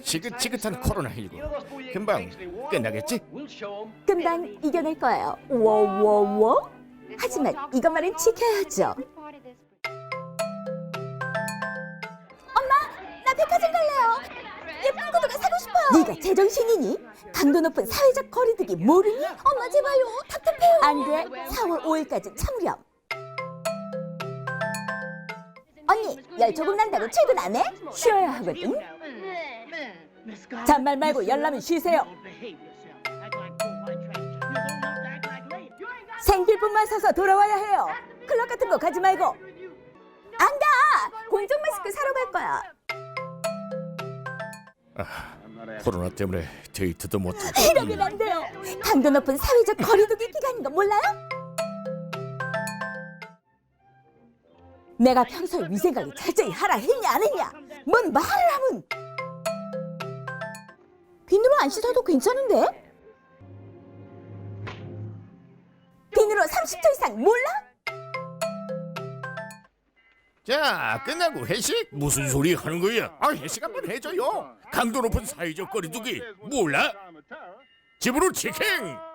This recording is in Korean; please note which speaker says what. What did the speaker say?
Speaker 1: 지긋지긋한 코로나19 금방 끝나겠지?
Speaker 2: 금방 이겨낼 거예요. 워워워. 하지만 이것만은 지켜야죠. 엄마, 나 백화점 갈래요. 예쁜 구두가 사고 싶어요. 네가 제정신이니? 강도 높은 사회적 거리두기 모르니? 엄마 제발요. 답답해요. 안 돼. 4월 5일까지 참으렴. 언니, 열 조금 난다고 출근 안 해? 쉬어야 하거든. 잔말 말고 열나면 쉬세요. 생필품만 사서 돌아와야 해요. 클럽 같은 거 가지 말고. 안 가! 공정 마스크 사러 갈 거야.
Speaker 1: 코로나 때문에 데이트도 못하고.
Speaker 2: 이러면 안 돼요. 강도 높은 사회적 거리두기 기간인 거 몰라요? 내가 평소에 위생관리 철저히 하라 했냐 안 했냐? 뭔 말을 하면. 비누로 안 씻어도 괜찮은데? 비누로 30초 이상 몰라?
Speaker 1: 자, 끝나고 회식? 무슨 소리 하는 거야? 회식 한번 해줘요. 강도 높은 사회적 거리두기 몰라? 집으로 치킨!